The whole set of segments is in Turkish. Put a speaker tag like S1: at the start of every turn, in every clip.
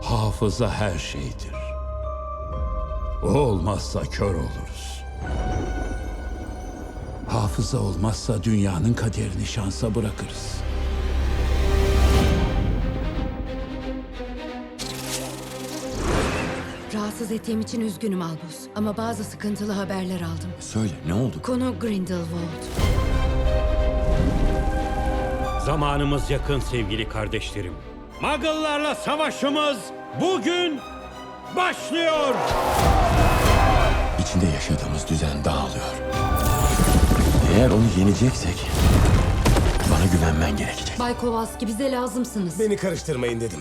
S1: Hafıza her şeydir. O olmazsa kör oluruz. Hafıza olmazsa dünyanın kaderini şansa bırakırız.
S2: Rahatsız ettiğim için üzgünüm Albus. Ama bazı sıkıntılı haberler aldım.
S3: Söyle, ne oldu?
S2: Konu Grindelwald.
S4: Zamanımız yakın sevgili kardeşlerim. Muggle'larla savaşımız bugün başlıyor.
S3: İçinde yaşadığımız düzen dağılıyor. Eğer onu yeneceksek bana güvenmen gerekecek.
S2: Bay Kowalski, bize lazımsınız.
S5: Beni karıştırmayın dedim.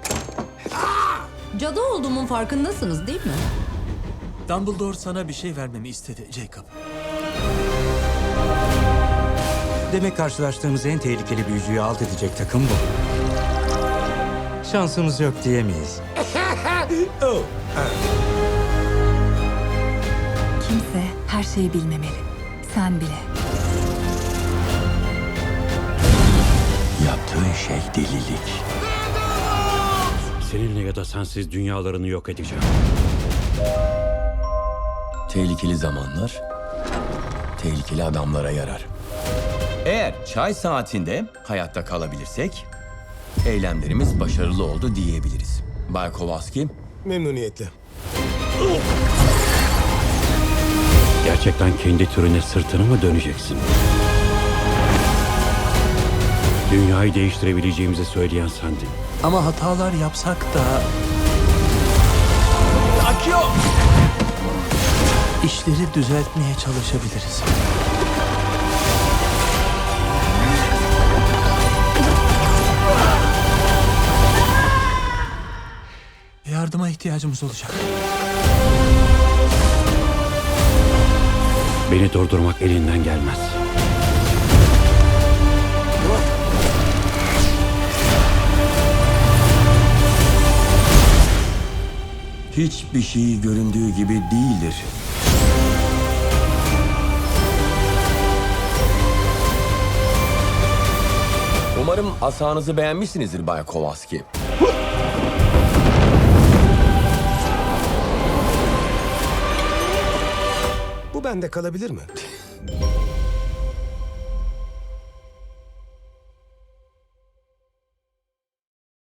S2: Cadı olduğumun farkındasınız değil mi?
S6: Dumbledore sana bir şey vermemi istedi Jacob.
S7: Demek karşılaştığımız en tehlikeli büyücüyü alt edecek takım bu. Şansımız yok diyemeyiz.
S5: Oh.
S8: Kimse her şeyi bilmemeli. Sen bile.
S3: Yaptığın şey delilik.
S4: Seninle ya da sensiz dünyalarını yok edeceğim.
S3: Tehlikeli zamanlar tehlikeli adamlara yarar. Eğer çay saatinde hayatta kalabilirsek eylemlerimiz başarılı oldu diyebiliriz. Bay Kowalski,
S5: Memnuniyetle.
S4: Gerçekten kendi türüne sırtını mı döneceksin? Dünyayı değiştirebileceğimizi söyleyen sendin.
S6: Ama hatalar yapsak da... İşleri düzeltmeye çalışabiliriz. Yardıma ihtiyacımız olacak.
S4: Beni durdurmak elinden gelmez.
S3: hiçbir şey göründüğü gibi değildir. Umarım asanızı beğenmişsinizdir Bay Kowalski.
S5: Bu bende kalabilir mi?